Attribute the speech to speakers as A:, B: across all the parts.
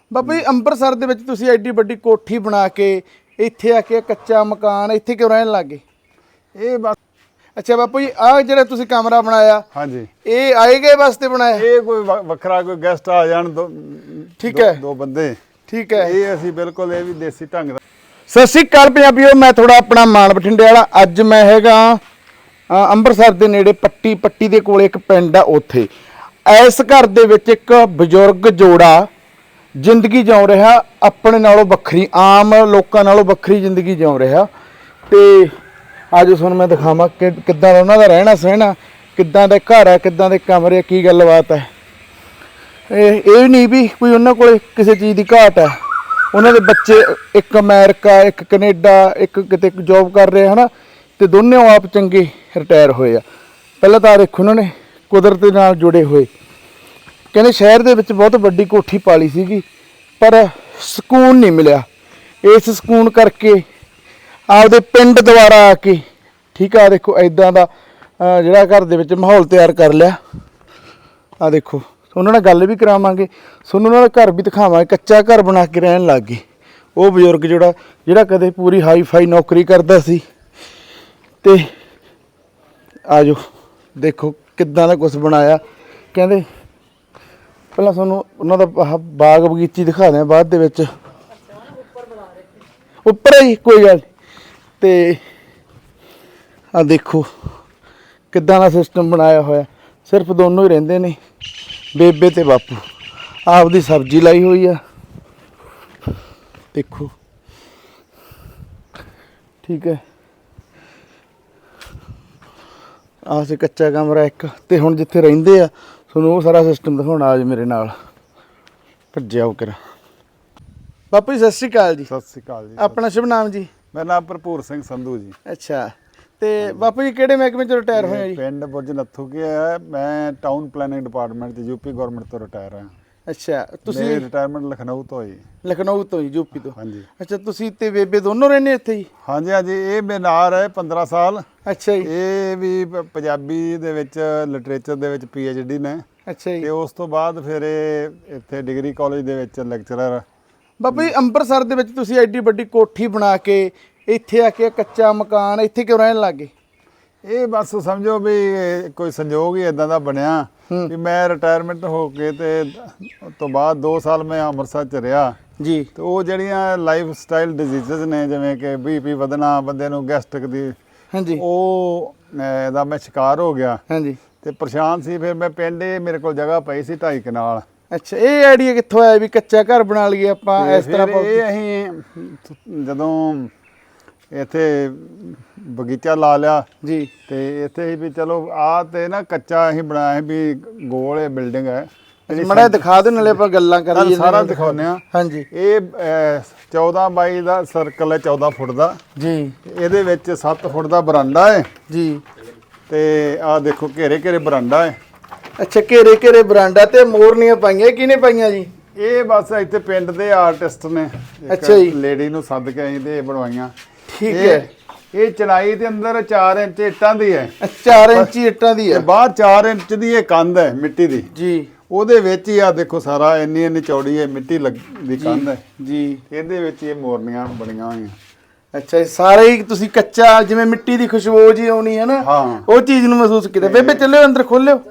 A: ਬਾਬਾ ਜੀ ਅੰਮ੍ਰਿਤਸਰ ਦੇ ਵਿੱਚ ਤੁਸੀਂ ਐਡੀ ਵੱਡੀ ਕੋਠੀ ਬਣਾ ਕੇ ਇੱਥੇ ਆ ਕੇ ਕੱਚਾ ਮਕਾਨ ਇੱਥੇ ਕਿਉਂ ਰਹਿਣ ਲੱਗੇ?
B: ਇਹ ਬਸ
A: ਅੱਛਾ ਬਾਪੂ ਜੀ ਆਹ ਜਿਹੜਾ ਤੁਸੀਂ ਕਮਰਾ ਬਣਾਇਆ
B: ਹਾਂਜੀ
A: ਇਹ ਆਏ ਗਏ ਵਾਸਤੇ ਬਣਾਇਆ?
B: ਇਹ ਕੋਈ ਵੱਖਰਾ ਕੋਈ ਗੈਸਟ ਆ ਜਾਣ
A: ਠੀਕ ਹੈ,
B: ਦੋ ਬੰਦੇ
A: ਠੀਕ ਹੈ।
B: ਇਹ ਅਸੀਂ ਬਿਲਕੁਲ ਇਹ ਵੀ ਦੇਸੀ ਢੰਗ ਦਾ।
A: ਸਤਿ ਸ਼੍ਰੀ ਅਕਾਲ ਪੰਜਾਬੀਓ, ਮੈਂ ਥੋੜਾ ਆਪਣਾ ਮਾਨ ਬਠਿੰਡੇ ਵਾਲਾ। ਅੱਜ ਮੈਂ ਹੈਗਾ ਅੰਮ੍ਰਿਤਸਰ ਦੇ ਨੇੜੇ ਪੱਟੀ ਦੇ ਕੋਲ ਇੱਕ ਪਿੰਡ ਆ, ਉੱਥੇ ਇਸ ਘਰ ਦੇ ਵਿੱਚ ਇੱਕ ਬਜ਼ੁਰਗ ਜੋੜਾ ਜ਼ਿੰਦਗੀ ਜਿਉ ਰਿਹਾ ਆਪਣੇ ਨਾਲੋਂ ਵੱਖਰੀ, ਆਮ ਲੋਕਾਂ ਨਾਲੋਂ ਵੱਖਰੀ ਜ਼ਿੰਦਗੀ ਜਿਉ ਰਿਹਾ। ਤੇ ਅੱਜ ਤੁਹਾਨੂੰ ਮੈਂ ਦਿਖਾਵਾਂ ਕਿ ਕਿੱਦਾਂ ਦਾ ਉਹਨਾਂ ਦਾ ਰਹਿਣਾ ਸਹਿਣਾ, ਕਿੱਦਾਂ ਦਾ ਘਰ ਹੈ, ਕਿੱਦਾਂ ਦੇ ਕਮਰੇ, ਕੀ ਗੱਲਬਾਤ ਹੈ। ਇਹ ਨਹੀਂ ਵੀ ਕੋਈ ਉਹਨਾਂ ਕੋਲ ਕਿਸੇ ਚੀਜ਼ ਦੀ ਘਾਟ ਹੈ। ਉਹਨਾਂ ਦੇ ਬੱਚੇ ਇੱਕ ਅਮਰੀਕਾ, ਇੱਕ ਕੈਨੇਡਾ, ਇੱਕ ਕਿਤੇ ਜੋਬ ਕਰ ਰਹੇ ਹਨ ਤੇ ਦੋਨੇ ਆਪ ਚੰਗੇ ਰਿਟਾਇਰ ਹੋਏ ਆ। ਪਹਿਲਾਂ ਤਾਂ ਦੇਖੋ ਉਹਨਾਂ ਨੇ ਕੁਦਰਤ ਦੇ ਨਾਲ ਜੁੜੇ ਹੋਏ। ਕਹਿੰਦੇ ਸ਼ਹਿਰ ਦੇ ਵਿੱਚ ਬਹੁਤ ਵੱਡੀ ਕੋਠੀ ਪਾਲੀ ਸੀਗੀ ਪਰ ਸਕੂਨ ਨਹੀਂ ਮਿਲਿਆ। ਇਸ ਸਕੂਨ ਕਰਕੇ ਆਪਦੇ ਪਿੰਡ ਦੁਆਰਾ ਆ ਕੇ, ਠੀਕ ਆ, ਦੇਖੋ ਇਦਾਂ ਦਾ ਜਿਹੜਾ ਘਰ ਦੇ ਵਿੱਚ ਮਾਹੌਲ ਤਿਆਰ ਕਰ ਲਿਆ। ਆ ਦੇਖੋ, ਉਹਨਾਂ ਨਾਲ ਗੱਲ ਵੀ ਕਰਾਵਾਂਗੇ, ਤੁਹਾਨੂੰ ਉਹਨਾਂ ਦਾ ਘਰ ਵੀ ਦਿਖਾਵਾਂਗੇ। ਕੱਚਾ ਘਰ ਬਣਾ ਕੇ ਰਹਿਣ ਲੱਗ ਗਏ ਉਹ ਬਜ਼ੁਰਗ ਜਿਹੜਾ ਕਦੇ ਪੂਰੀ ਹਾਈ ਫਾਈ ਨੌਕਰੀ ਕਰਦਾ ਸੀ। ਤੇ ਆ ਜਾਓ ਦੇਖੋ ਕਿੱਦਾਂ ਦਾ ਕੁਛ ਬਣਾਇਆ। ਕਹਿੰਦੇ ਪਹਿਲਾਂ ਤੁਹਾਨੂੰ ਉਹਨਾਂ ਦਾ ਬਾਗ ਬਗੀਚੀ ਦਿਖਾ ਦਿਆਂ ਬਾਅਦ ਦੇ ਵਿੱਚ। ਉੱਪਰ ਹੀ ਕੋਈ ਗੱਲ। ਤੇ ਆ ਦੇਖੋ ਕਿੱਦਾਂ ਦਾ ਸਿਸਟਮ ਬਣਾਇਆ ਹੋਇਆ। ਸਿਰਫ ਦੋਨੋਂ ਹੀ ਰਹਿੰਦੇ ਨੇ, ਬੇਬੇ ਤੇ ਬਾਪੂ। ਆਪਦੀ ਸਬਜ਼ੀ ਲਾਈ ਹੋਈ ਆ, ਦੇਖੋ, ਠੀਕ ਹੈ। ਆਹ ਸੀ ਕੱਚਾ ਕਮਰਾ ਇੱਕ। ਤੇ ਹੁਣ ਜਿੱਥੇ ਰਹਿੰਦੇ ਆ ਤੁਹਾਨੂੰ ਉਹ ਸਾਰਾ ਸਿਸਟਮ ਦਿਖਾਉਣਾ। ਅੱਜ ਮੇਰੇ ਨਾਲ ਭੱਜਿਆ ਉਹ ਕਰਾ। ਬਾਪੂ ਜੀ ਸਤਿ ਸ਼੍ਰੀ ਅਕਾਲ ਜੀ।
B: ਸਤਿ ਸ੍ਰੀ ਅਕਾਲ ਜੀ।
A: ਆਪਣਾ ਸ਼ੁਭ ਨਾਮ ਜੀ?
B: ਮੇਰਾ ਨਾਮ ਭਰਪੂਰ ਸਿੰਘ ਸੰਧੂ ਜੀ।
A: ਅੱਛਾ, ਤੇ ਬਾਪੂ ਜੀ ਕਿਹੜੇ ਮਹਿਕਮੇ ਚ ਰਿਟਾਇਰ ਹੋਏ ਆ ਜੀ?
B: ਪਿੰਡ ਬੁਰਜ ਨੱਥੂ ਕੇ ਹੈ। ਮੈਂ ਟਾਊਨ ਪਲੈਨਿੰਗ ਡਿਪਾਰਟਮੈਂਟ ਤੇ ਯੂਪੀ ਗਵਰਨਮੈਂਟ ਤੋਂ ਰਿਟਾਇਰ ਹਾਂ।
A: ਅੱਛਾ, ਤੁਸੀਂ
B: ਰਿਟਾਇਰਮੈਂਟ ਲਖਨਊ ਤੋਂ ਹੋਈ।
A: ਲਖਨਊ ਤੋਂ ਜੀ, ਯੂਪੀ ਤੋਂ?
B: ਹਾਂਜੀ।
A: ਅੱਛਾ, ਤੁਸੀਂ ਤੇ ਬੇਬੇ ਦੋਨੋਂ ਰਹਿੰਦੇ ਇੱਥੇ ਜੀ?
B: ਹਾਂਜੀ ਹਾਂਜੀ। ਇਹ ਮੇਰੇ ਨਾਲ ਹੈ 15 ਸਾਲ।
A: ਅੱਛਾ ਜੀ।
B: ਇਹ ਵੀ ਪੰਜਾਬੀ ਦੇ ਵਿੱਚ ਲਿਟਰੇਚਰ ਦੇ ਵਿੱਚ PhD ਨੇ।
A: ਅੱਛਾ ਜੀ।
B: ਤੇ ਉਸ ਤੋਂ ਬਾਅਦ ਫਿਰ ਇਹ ਇੱਥੇ ਡਿਗਰੀ ਕਾਲਜ ਦੇ ਵਿੱਚ ਲੈਕਚਰਰ।
A: ਬਾਬਾ ਜੀ ਅੰਮ੍ਰਿਤਸਰ ਦੇ ਵਿੱਚ ਤੁਸੀਂ ਐਡੀ ਵੱਡੀ ਕੋਠੀ ਬਣਾ ਕੇ ਇੱਥੇ ਆ ਕੇ ਕੱਚਾ ਮਕਾਨ ਇੱਥੇ ਕਿਉਂ ਰਹਿਣ ਲੱਗੇ?
B: ਇਹ ਬਸ ਸਮਝੋ ਵੀ ਕੋਈ ਸੰਜੋਗ ਹੀ ਇਦਾਂ ਦਾ ਬਣਿਆ ਵੀ ਮੈਂ ਰਿਟਾਇਰਮੈਂਟ ਹੋ ਕੇ ਤੇ ਉਸ ਤੋਂ ਬਾਅਦ 2 ਸਾਲ ਮੈਂ ਅੰਮ੍ਰਿਤਸਰ ਚ ਰਿਹਾ
A: ਜੀ।
B: ਤੇ ਉਹ ਜਿਹੜੀਆਂ ਲਾਈਫ ਸਟਾਈਲ ਡਿਜ਼ੀਜ਼ਸ ਨੇ, ਜਿਵੇਂ ਕਿ BP ਵਧਣਾ, ਬੰਦੇ ਨੂੰ ਗੈਸਟ੍ਰਿਕ ਦੀ,
A: ਹਾਂਜੀ,
B: ਉਹ ਇਹਦਾ ਮੈਂ ਸ਼ਿਕਾਰ ਹੋ ਗਿਆ।
A: ਹਾਂਜੀ।
B: ਤੇ ਪਰੇਸ਼ਾਨ ਸੀ। ਫਿਰ ਮੈਂ ਪਿੰਡ, ਮੇਰੇ ਕੋਲ ਜਗ੍ਹਾ ਪਈ ਸੀ 2.5 ਕਨਾਲ।
A: ਅੱਛਾ, ਇਹ ਆਈਡੀਆ ਕਿੱਥੋਂ ਆਇਆ ਵੀ ਕੱਚਾ ਘਰ ਬਣਾ ਲਈਏ ਆਪਾਂ ਇਸ ਤਰ੍ਹਾਂ?
B: ਇਹ ਅਸੀਂ ਜਦੋਂ ਇੱਥੇ ਬਗੀਚਾ ਲਾ ਲਿਆ
A: ਜੀ
B: ਤੇ ਇੱਥੇ ਹੀ ਵੀ ਚਲੋ ਆ ਤੇ ਨਾ ਕੱਚਾ ਅਸੀਂ ਬਣਾਇਆ ਵੀ ਗੋਲ ਇਹ ਬਿਲਡਿੰਗ ਹੈ।
A: ਮੜਾ ਦਿਖਾ ਦਿਓ, ਨਾਲੇ ਆਪਾਂ ਗੱਲਾਂ ਕਰੀਏ।
B: ਸਾਰਾ ਦਿਖਾਉਂਦੇ ਆ।
A: ਹਾਂਜੀ।
B: ਇਹ 14 ਬਾਈ ਦਾ ਸਰਕਲ ਹੈ, 14 ਫੁੱਟ ਦਾ
A: ਜੀ।
B: ਇਹਦੇ ਵਿੱਚ 7 ਫੁੱਟ ਦਾ ਬਰਾਂਡਾ ਹੈ
A: ਜੀ।
B: ਤੇ ਆ ਦੇਖੋ ਘੇਰੇ ਬਰਾਂਡਾ ਹੈ।
A: ਅੱਛਾ, ਘੇਰੇ ਬਰਾਂਡਾ ਤੇ ਮੋਰਨੀਆਂ ਪਾਈਆਂ, ਕਿਹਨੇ ਪਾਈਆਂ ਜੀ?
B: ਇਹ ਬਸ ਇੱਥੇ ਪਿੰਡ ਦੇ ਆਰਟਿਸਟ ਨੇ।
A: ਅੱਛਾ ਜੀ।
B: ਲੇਡੀ ਨੂੰ ਸੱਦ ਕੇ ਅਸੀਂ ਤੇ ਇਹ ਬਣਵਾਈਆਂ।
A: ਠੀਕ ਹੈ।
B: ਇਹ ਚੜਾਈ ਦੇ ਅੰਦਰ 4 ਇੰਚ ਇੱਟਾਂ ਦੀ ਹੈ।
A: 4 ਇੰਚੀ ਇੱਟਾਂ ਦੀ ਹੈ।
B: ਬਾਹਰ 4 ਇੰਚ ਦੀ ਇਹ ਕੰਧ ਹੈ ਮਿੱਟੀ ਦੀ।
A: ਜੀ।
B: ਉਹਦੇ ਵਿੱਚ ਹੀ ਆ ਦੇਖੋ ਸਾਰਾ ਇੰਨੀ ਚੌੜੀ ਹੈ ਮਿੱਟੀ ਦੀ ਕੰਧ ਹੈ
A: ਜੀ।
B: ਇਹਦੇ ਵਿੱਚ ਇਹ ਮੋਰਨੀਆਂ ਬਣੀਆਂ ਹੋਈਆਂ।
A: ਅੱਛਾ, ਸਾਰੇ ਹੀ ਤੁਸੀਂ ਕੱਚਾ, ਜਿਵੇਂ ਮਿੱਟੀ ਦੀ ਖੁਸ਼ਬੂ ਜੀ ਆਉਣੀ ਹੈ ਨਾ,
B: ਹਾਂ,
A: ਉਹ ਚੀਜ਼ ਨੂੰ ਮਹਿਸੂਸ ਕੀਤਾ। ਬੇਬੇ ਚੱਲਿਓ ਅੰਦਰ, ਖੋਲਿਓ,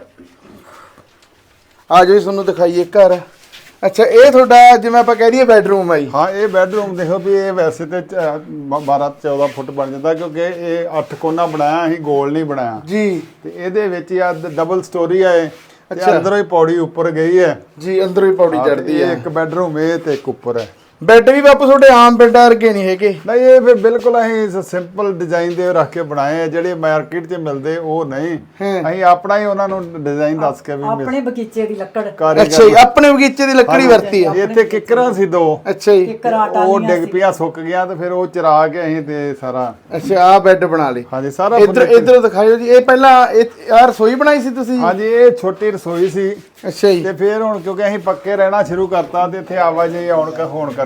A: ਆ ਜਾਓ ਤੁਹਾਨੂੰ ਦਿਖਾਈਏ ਘਰ। ਅੱਛਾ, ਇਹ ਤੁਹਾਡਾ ਜਿਵੇਂ ਆਪਾਂ ਕਹਿ ਦਈਏ ਬੈਡਰੂਮ ਹੈ ਜੀ?
B: ਹਾਂ, ਇਹ ਬੈਡਰੂਮ ਦੇਖੋ ਵੀ ਇਹ ਵੈਸੇ ਤੇ 12-14 ਫੁੱਟ ਬਣ ਜਾਂਦਾ ਕਿਉਂਕਿ ਇਹ 8 ਕੋਨਾ ਬਣਾਇਆ, ਅਸੀਂ ਗੋਲ ਨਹੀਂ ਬਣਾਇਆ
A: ਜੀ।
B: ਤੇ ਇਹਦੇ ਵਿੱਚ ਹੀ ਆ ਡਬਲ ਸਟੋਰੀ ਹੈ। ਅੱਛਾ, ਅੰਦਰੋਂ ਹੀ ਪੌੜੀ ਉੱਪਰ ਗਈ ਹੈ ਜੀ। ਅੰਦਰੋਂ ਹੀ ਪੌੜੀ ਚੜਦੀ ਹੈ। ਇੱਕ ਬੈਡਰੂਮ ਇਹ ਤੇ ਇੱਕ ਉੱਪਰ ਹੈ।
A: ਬੈੱਡ ਵੀ ਬਾਪੂ ਤੁਹਾਡੇ ਆਮ ਬੈੱਡਾਂ ਵਰਗੇ ਨਹੀਂ ਹੈਗੇ?
B: ਨਹੀਂ, ਇਹ ਫਿਰ ਬਿਲਕੁਲ ਅਸੀਂ ਸਿੰਪਲ ਡਿਜ਼ਾਈਨ ਦੇ ਰੱਖ ਕੇ ਬਣਾਏ ਆ। ਜਿਹੜੇ ਮਾਰਕੀਟ 'ਚ ਮਿਲਦੇ ਉਹ ਨਹੀਂ, ਅਸੀਂ ਆਪਣਾ ਹੀ ਉਹਨਾਂ ਨੂੰ ਡਿਜ਼ਾਈਨ ਦੱਸ ਕੇ ਵੀ
C: ਆਪਣੇ ਬਗੀਚੇ ਦੀ ਲੱਕੜ।
A: ਅੱਛਾ ਜੀ, ਆਪਣੇ ਬਗੀਚੇ ਦੀ ਲੱਕੜੀ ਵਰਤੀ ਹੈ।
B: ਇੱਥੇ ਕਿੱਕਰਾਂ ਸੀ 2।
A: ਅੱਛਾ ਜੀ।
B: ਉਹ ਡਿੱਗ ਪਿਆ, ਸੁੱਕ ਗਿਆ ਤੇ ਫਿਰ ਉਹ ਚਰਾ ਕੇ ਅਸੀਂ ਤੇ ਸਾਰਾ।
A: ਅੱਛਾ, ਆ ਬੈੱਡ ਬਣਾ ਲਏ?
B: ਹਾਂਜੀ, ਸਾਰਾ।
A: ਇੱਧਰ ਦਿਖਾਇਓ ਜੀ। ਇਹ ਪਹਿਲਾਂ ਆ ਰਸੋਈ ਬਣਾਈ ਸੀ ਤੁਸੀਂ?
B: ਹਾਂਜੀ, ਇਹ ਛੋਟੀ ਰਸੋਈ ਸੀ।
A: ਅੱਛਾ ਜੀ।
B: ਤੇ ਫਿਰ ਹੁਣ ਕਿਉਂਕਿ ਅਸੀਂ ਪੱਕੇ ਰਹਿਣਾ ਸ਼ੁਰੂ ਕਰਤਾ ਤੇ ਇੱਥੇ ਆਵਾਜਾਈ ਹੋਣ ਕਰਕੇ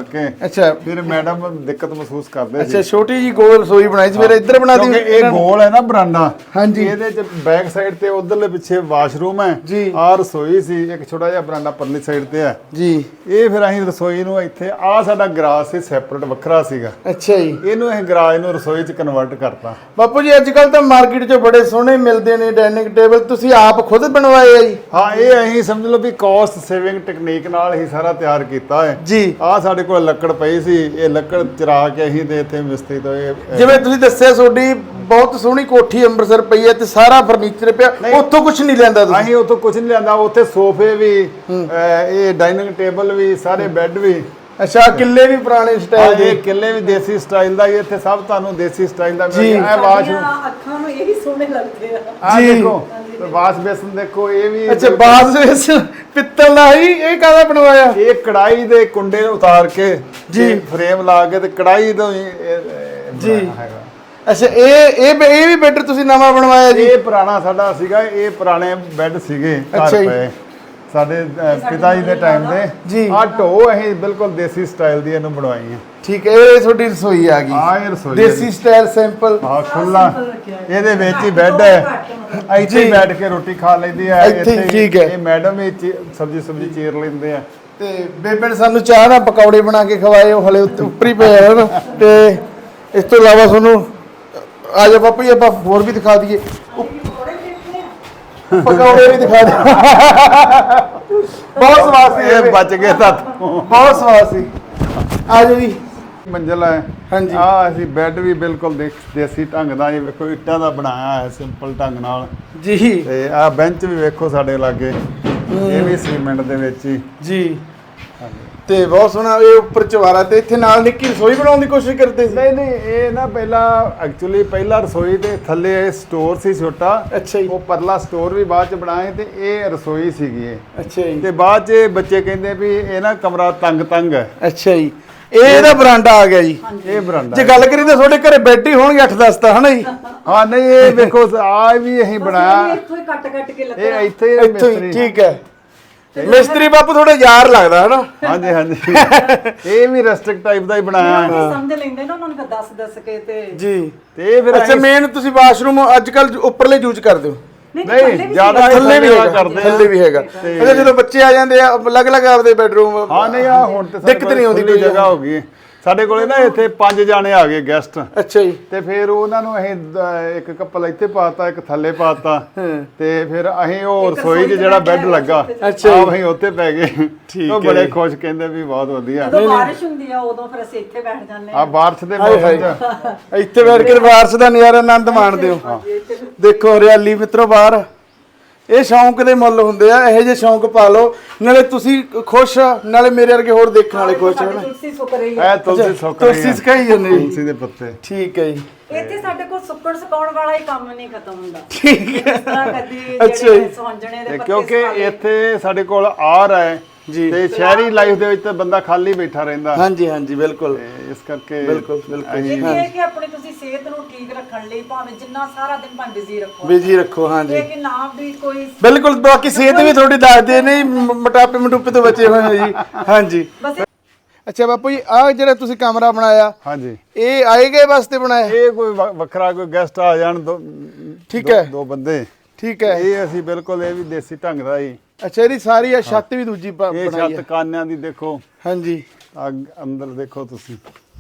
B: ਕਰਕੇ
A: ਅੱਛਾ
B: ਫਿਰ ਮੈਡਮ ਦਿੱਕਤ ਮਹਿਸੂਸ ਕਰਦੇ ਸੀ।
A: ਅੱਛਾ ਛੋਟੀ ਜੀ ਗੋਲ ਰਸੋਈ ਬਣਾਈ ਸੀ, ਫਿਰ ਇੱਧਰ ਬਣਾ
B: ਕਿਉਂਕਿ
A: ਦੀ।
B: ਇਹ ਗੋਲ ਹੈ ਨਾ ਬਰਾਂਡਾ,
A: ਹਾਂਜੀ।
B: ਇਹਦੇ ਚ ਬੈਕ ਸਾਈਡ ਤੇ ਉਧਰਲੇ ਪਿੱਛੇ ਵਾਸ਼ਰੂਮ ਹੈ
A: ਜੀ।
B: ਆ ਰਸੋਈ ਸੀ, ਇੱਕ ਛੋਟਾ ਜਿਹਾ ਬਰਾਂਡਾ ਪਰਲੀ ਸਾਈਡ ਤੇ ਹੈ
A: ਜੀ।
B: ਇਹ ਫਿਰ ਅਸੀਂ ਰਸੋਈ ਨੂੰ ਇੱਥੇ ਆ ਸਾਡਾ ਗਰਾਜ ਸੀ ਸੈਪਰੇਟ ਵੱਖਰਾ ਸੀਗਾ,
A: ਅੱਛਾ ਜੀ।
B: ਇਹਨੂੰ ਅਸੀਂ ਗਰਾਜ ਨੂੰ ਰਸੋਈ ਚ ਕਨਵਰਟ ਕਰਤਾ।
A: ਬਾਪੂ ਜੀ ਅੱਜ ਕੱਲ ਤਾਂ ਮਾਰਕੀਟ 'ਚ ਬੜੇ ਸੋਹਣੇ ਮਿਲਦੇ ਨੇ ਡਾਈਨਿੰਗ ਟੇਬਲ, ਤੁਸੀਂ ਆਪ ਖੁਦ ਬਣਵਾਏ ਆ ਜੀ?
B: ਹਾਂ, ਇਹ ਅਸੀਂ ਸਮਝ ਲਓ ਵੀ ਕਾਸਟ ਸੇਵਿੰਗ ਟੈਕਨੀਕ ਨਾਲ ਹੀ ਸਾਰਾ ਤਿਆਰ ਕੀਤਾ ਹੈ
A: ਜੀ।
B: ਆ ਸਾਡੇ ਕੋਲ ਲੱਕੜ ਪਈ ਸੀ, ਇਹ ਲੱਕੜ ਚਰਾ ਕੇ ਅਸੀਂ ਤੇ ਇੱਥੇ ਮਿਸਤਰੀ ਤੋਂ
A: ਜਿਵੇਂ ਤੁਸੀਂ ਦੱਸਿਆ ਤੁਹਾਡੀ ਬਹੁਤ ਸੋਹਣੀ ਕੋਠੀ ਅੰਮ੍ਰਿਤਸਰ ਪਈ ਹੈ ਤੇ ਸਾਰਾ ਫਰਨੀਚਰ ਪਿਆ, ਉੱਥੋਂ ਕੁਝ ਨਹੀਂ ਲੈਂਦਾ ਤੁਸੀਂ?
B: ਅਸੀਂ ਉੱਥੋਂ ਕੁਝ ਨਹੀਂ ਲਿਆਂਦਾ, ਉੱਥੇ ਸੋਫੇ ਵੀ ਇਹ ਡਾਈਨਿੰਗ ਟੇਬਲ ਵੀ ਸਾਰੇ ਬੈੱਡ ਵੀ।
A: ਅੱਛਾ ਕਿੱਲੇ ਵੀ ਪੁਰਾਣੇ ਸਟਾਈਲ ਦੇ?
B: ਇਹ ਕਿੱਲੇ ਵੀ ਦੇਸੀ ਸਟਾਈਲ ਦਾ ਹੀ, ਇੱਥੇ ਸਭ ਤੁਹਾਨੂੰ ਦੇਸੀ ਸਟਾਈਲ ਦਾ
A: ਜੀ।
B: ਮਿਲੇਗਾ। ਇਹ ਵਾਸ਼ਰੂਮ
C: ਅੱਖਾਂ ਨੂੰ ਇਹੀ ਸੋਹਣੇ ਲੱਗਦੇ ਆ।
B: ਆ
A: ਜੀ।
B: ਦੇਖੋ ਵਾਸ਼ ਬੇਸਨ ਦੇਖੋ, ਇਹ ਵੀ
A: ਅੱਛਾ ਬਾਸ ਵਿੱਚ ਪਿੱਤਲ ਦਾ ਹੀ, ਇਹ ਕਾਹਦਾ ਬਣਵਾਇਆ?
B: ਇਹ ਕੜਾਈ ਦੇ ਕੁੰਡੇ ਨੂੰ ਉਤਾਰ ਕੇ
A: ਜੀ।
B: ਫਰੇਮ ਲਾ ਕੇ ਤੇ ਕੜਾਈ ਤੋਂ ਹੀ
A: ਜੀ।
B: ਹੈਗਾ।
A: ਅੱਛਾ ਇਹ ਵੀ ਬੈੱਡ ਤੁਸੀਂ ਨਵਾਂ ਬਣਵਾਇਆ ਜੀ?
B: ਇਹ ਪੁਰਾਣਾ ਸਾਡਾ ਸੀਗਾ, ਇਹ ਪੁਰਾਣੇ ਬੈੱਡ ਸੀਗੇ
A: ਅੱਛਾ
B: ਘਰ
A: ਜੀ।
B: ਪਏ ਸਾਡੇ ਪਿਤਾ ਜੀ ਦੇ ਟਾਈਮ
A: ਜੀ।
B: ਦੇ। ਆ ਢੋ ਅਸੀਂ ਬਿਲਕੁਲ ਦੇਸੀ ਸਟਾਈਲ ਦੀ ਇਹਨੂੰ ਬਣਵਾਈ ਹੈ।
A: ਠੀਕ ਹੈ, ਇਹ ਤੁਹਾਡੀ ਰਸੋਈ ਆ ਗਈ
B: ਆ ਇਹ ਰਸੋਈ
A: ਦੇਸੀ ਸਟਾਈਲ ਸਿੰਪਲ।
B: ਹਾਂ ਖੁੱਲਾ, ਇਹਦੇ ਵਿੱਚ ਹੀ ਬੈੱਡ ਹੈ, ਇੱਥੇ ਹੀ ਬੈਠ ਕੇ ਰੋਟੀ ਖਾ ਲੈਂਦੀ ਹੈ
A: ਇੱਥੇ ਹੀ, ਠੀਕ ਹੈ।
B: ਇਹ ਮੈਡਮ ਵੀ ਸਬਜ਼ੀ ਚੀਰ ਲੈਂਦੇ ਆ।
A: ਤੇ ਬੇਬੇ ਨੇ ਸਾਨੂੰ ਚਾਹ ਨਾਲ ਪਕੌੜੇ ਬਣਾ ਕੇ ਖਵਾਏ, ਉਹ ਹਲੇ ਉੱਪਰ ਹੀ ਪਏ ਹਨ। ਤੇ ਇਸ ਤੋਂ ਇਲਾਵਾ ਤੁਹਾਨੂੰ ਆ ਜਾ ਬਾਪੂ ਜੀ ਆਪਾਂ ਹੋਰ ਵੀ ਦਿਖਾ ਦਈਏ, ਪਕੌੜੇ ਵੀ ਦਿਖਾ ਦੇ। ਬਹੁਤ ਸਵਾਦ ਸੀ
B: ਇਹ ਬਚ ਗਏ ਤਾਂ
A: ਬਹੁਤ ਸਵਾਦ ਸੀ। ਆ ਜਾਓ ਜੀ।
B: ਮੰਜ਼ਲ ਹੈ।
A: ਹਾਂਜੀ।
B: ਆ ਅਸੀਂ ਬੈੱਡ ਵੀ ਬਿਲਕੁਲ ਦੇਸੀ ਢੰਗ ਦਾ, ਇਹ ਵੇਖੋ ਇੱਟਾਂ ਦਾ ਬਣਾਇਆ ਹੈ ਸਿੰਪਲ ਢੰਗ ਨਾਲ।
A: ਜੀ।
B: ਤੇ ਆ ਬੈਂਚ ਵੀ ਵੇਖੋ ਸਾਡੇ ਲਾਗੇ, ਇਹ ਵੀ ਸੀਮੈਂਟ ਦੇ ਵਿੱਚ ਹੀ।
A: ਜੀ। ਤੇ ਬਹੁਤ ਸੋਹਣਾ ਇਹ ਉੱਪਰ ਚਵਾਰਾ, ਤੇ ਇੱਥੇ ਨਾਲ ਨਿੱਕੀ ਰਸੋਈ ਬਣਾਉਣ ਦੀ ਕੋਸ਼ਿਸ਼ ਕਰਦੇ ਸੀ?
B: ਨਹੀਂ ਇਹ ਨਾ ਪਹਿਲਾਂ ਐਕਚੁਅਲੀ ਪਹਿਲਾ ਰਸੋਈ ਦੇ ਥੱਲੇ ਇਹ ਸਟੋਰ ਸੀ ਛੋਟਾ।
A: ਅੱਛਾ ਜੀ।
B: ਉਹ ਪਰਲਾ ਸਟੋਰ ਵੀ ਬਾਅਦ ਚ ਬਣਾਏ ਤੇ ਇਹ ਰਸੋਈ ਸੀਗੀ ਇਹ।
A: ਅੱਛਾ ਜੀ।
B: ਤੇ ਬਾਅਦ ਚ ਬੱਚੇ ਕਹਿੰਦੇ ਵੀ ਇਹ ਨਾ ਕਮਰਾ ਤੰਗ ਹੈ।
A: ਅੱਛਾ ਜੀ। ਇਹ ਇਹਦਾ ਬਰਾਂਡਾ ਆ ਗਿਆ ਜੀ।
B: ਇਹ ਬਰਾਂਡਾ
A: ਜੇ ਗੱਲ ਕਰੀ ਤਾਂ ਤੁਹਾਡੇ ਘਰੇ ਬੈੱਡ ਹੀ ਹੋਣਗੇ 8-10 ਤਾਂ, ਹਨਾ ਜੀ?
B: ਹਾਂ ਨਹੀਂ ਇਹ ਵੇਖੋ ਆ ਵੀ ਅਸੀਂ ਬਣਾਇਆ,
C: ਇੱਥੋਂ ਹੀ ਕੱਟ ਕੇ ਲੱਗਾ।
B: ਇਹ ਇੱਥੇ ਹੀ
A: ਇੱਥੋਂ ਹੀ,
B: ਮਿਸਤਰੀ।
A: ਠੀਕ ਹੈ। ਮਿਸਤਰੀ ਬਾਪੂ ਥੋੜਾ ਯਾਰ ਲੱਗਦਾ ਹਨਾ?
B: ਹਾਂਜੀ ਇਹ ਵੀ ਰਸਟਿਕ ਟਾਈਪ ਦਾ ਹੀ ਬਣਾਇਆ ਹੈ।
C: ਸਮਝ ਲੈਂਦੇ ਨਾ ਉਹਨਾਂ ਨੂੰ ਦੱਸ ਕੇ ਤੇ।
A: ਜੀ।
B: ਤੇ ਇਹ ਫਿਰ
A: ਅੱਛਾ ਮੇਨ ਤੁਸੀਂ ਵਾਸ਼ਰੂਮ ਅੱਜ ਕੱਲ ਉੱਪਰਲੇ ਯੂਜ਼ ਕਰਦੇ ਹੋ?
B: ਨਹੀਂ ਜ਼ਿਆਦਾ
A: ਥੱਲੇ ਵੀ ਹੈਗਾ,
B: ਕਰਦੇ ਆ।
A: ਥੱਲੇ ਵੀ ਹੈਗਾ। ਅੱਛਾ ਜਦੋਂ ਬੱਚੇ ਆ ਜਾਂਦੇ ਆ ਅਲੱਗ-ਅਲੱਗ ਆਪਦੇ ਬੈਡਰੂਮ?
B: ਹਾਂ ਨਹੀਂ ਆ ਹੁਣ ਤੇ
A: ਦਿੱਕਤ ਨਹੀਂ ਆਉਂਦੀ
B: ਕੋਈ ਜਗ੍ਹਾ ਹੋ ਗਈ ਸਾਡੇ ਕੋਲੇ ਨਾ, ਇੱਥੇ 5 ਜਾਣੇ ਆ ਗਏ ਗੈਸਟ।
A: ਅੱਛਾ ਜੀ।
B: ਤੇ ਫਿਰ ਉਹਨਾਂ ਨੂੰ ਅਸੀਂ ਇੱਕ ਕੱਪਲ ਇੱਥੇ ਪਾਤਾ, ਇੱਕ ਥੱਲੇ ਪਾਤਾ, ਤੇ ਫਿਰ ਅਸੀਂ ਉਹ ਰਸੋਈ 'ਚ ਜਿਹੜਾ ਬੈੱਡ ਲੱਗਾ ਅਸੀਂ ਉੱਥੇ ਪੈ ਗਏ। ਉਹ ਬੜੇ ਖੁਸ਼, ਕਹਿੰਦੇ ਵੀ ਬਹੁਤ ਵਧੀਆ।
C: ਜਦੋਂ ਬਾਰਿਸ਼ ਹੁੰਦੀ ਆ ਉਦੋਂ ਫਿਰ ਅਸੀਂ ਇੱਥੇ ਬੈਠ ਜਾਂਦੇ
B: ਆ ਬਾਰਿਸ਼ ਦੇ ਮੌਸਮ 'ਚ
A: ਇੱਥੇ ਬੈਠ ਕੇ ਬਾਰਿਸ਼ ਦਾ ਨਜ਼ਾਰਾ ਆਨੰਦ ਮਾਣਦੇ ਹੋ। ਦੇਖੋ ਹਰਿਆਲੀ ਮਿੱਤਰੋ ਬਾਹਰ। ਇਹ ਸ਼ੌਂਕ ਦੇ ਮੁੱਲ ਹੁੰਦੇ ਆ, ਇਹੋ ਜਿਹੇ ਸ਼ੌਂਕ ਪਾ ਲਓ, ਨਾਲੇ ਤੁਸੀਂ ਖੁਸ਼, ਨਾਲੇ ਮੇਰੇ ਵਰਗੇ ਹੋਰ ਦੇਖਣ ਵਾਲੇ ਖੁਸ਼ ਹਨ।
C: ਤੁਲਸੀ ਸੁੱਕ ਰਹੀ
B: ਇਹ ਤੁਲਸੀ ਸੁੱਕ ਰਹੀ ਹੈ,
A: ਤੁਸੀਂ ਸਿਖਾਈ ਜਾਂਦੇ ਜੀ?
B: ਤੁਲਸੀ ਦੇ ਪੱਤੇ।
A: ਠੀਕ ਹੈ ਜੀ।
C: ਇੱਥੇ ਸਾਡੇ ਕੋਲ ਸੁੱਕਣ ਸੁਕਾਉਣ ਵਾਲਾ ਹੀ ਕੰਮ ਨਹੀਂ ਖਤਮ ਹੁੰਦਾ।
A: ਠੀਕ ਹੈ।
C: ਇਸ ਤਰ੍ਹਾਂ ਕਦੀ
A: ਅੱਛਾ
C: ਜਿਹੜੇ
A: ਜੀ।
C: ਸੁਹੰਜਣੇ ਦੇ
B: ਤੇ
C: ਪੱਤੇ
B: ਕਿਉਂਕਿ
C: ਸੁਕਾ ਲਏ।
B: ਇੱਥੇ ਸਾਡੇ ਕੋਲ ਆਰ ਹੈ
A: ਜੀ।
B: ਤੇ ਸ਼ਹਿਰੀ ਲਾਈਫ ਦੇ ਵਿੱਚ ਤਾਂ ਬੰਦਾ ਖਾਲੀ ਬੈਠਾ ਰਹਿੰਦਾ।
A: ਹਾਂਜੀ ਹਾਂਜੀ ਬਿਲਕੁਲ
B: ਤੇ ਇਸ ਕਰਕੇ
A: ਬਿਲਕੁਲ
C: ਇਹ ਹੈ ਕਿ ਆਪਣੀ ਤੁਸੀਂ ਸਿਹਤ ਨੂੰ ਠੀਕ ਰੱਖਣ ਲਈ ਭਾਵੇਂ ਜਿੰਨਾ ਸਾਰਾ ਦਿਨ ਭਾਵੇਂ ਬਿਜ਼ੀ ਰੱਖੋ,
A: ਬਿਜੀ ਰੱਖੋ। ਹਾਂਜੀ
C: ਇਹ ਕਿ ਨਾ ਵੀ ਕੋਈ
A: ਬਿਲਕੁਲ। ਬਾਕੀ ਸਿਹਤ ਵੀ ਤੁਹਾਡੀ ਦੱਸਦੇ ਨੇ, ਮੋਟਾਪੇ ਮਟੂਪੇ ਤੋਂ ਬਚੇ ਹੋਏ ਹੋ ਜੀ। ਹਾਂਜੀ।
C: ਬਸ
A: ਅੱਛਾ ਬਾਪੂ ਜੀ ਆਹ ਜਿਹੜਾ ਤੁਸੀਂ ਕਮਰਾ ਬਣਾਇਆ,
B: ਹਾਂਜੀ
A: ਇਹ ਆਏ ਗਏ ਵਾਸਤੇ ਬਣਾਇਆ?
B: ਇਹ ਕੋਈ ਵੱਖਰਾ ਕੋਈ ਗੈਸਟ ਆ ਜਾਣ
A: ਠੀਕ ਹੈ।
B: ਦੋ ਬੰਦੇ।
A: ਠੀਕ ਹੈ।
B: ਇਹ ਅਸੀਂ ਬਿਲਕੁਲ ਇਹ ਵੀ ਦੇਸੀ ਢੰਗ ਦਾ ਹੀ।
A: ਅੱਛਾ ਇਹਦੀ ਸਾਰੀ ਆ ਛੱਤ ਵੀ ਦੂਜੀ
B: ਇਹ
A: ਬਣਾਈ
B: ਛੱਤ
A: ਹੈ?
B: ਕਾਨਿਆਂ ਦੀ ਦੇਖੋ,
A: ਹਾਂਜੀ।
B: ਅੰਦਰ ਦੇਖੋ ਤੁਸੀਂ,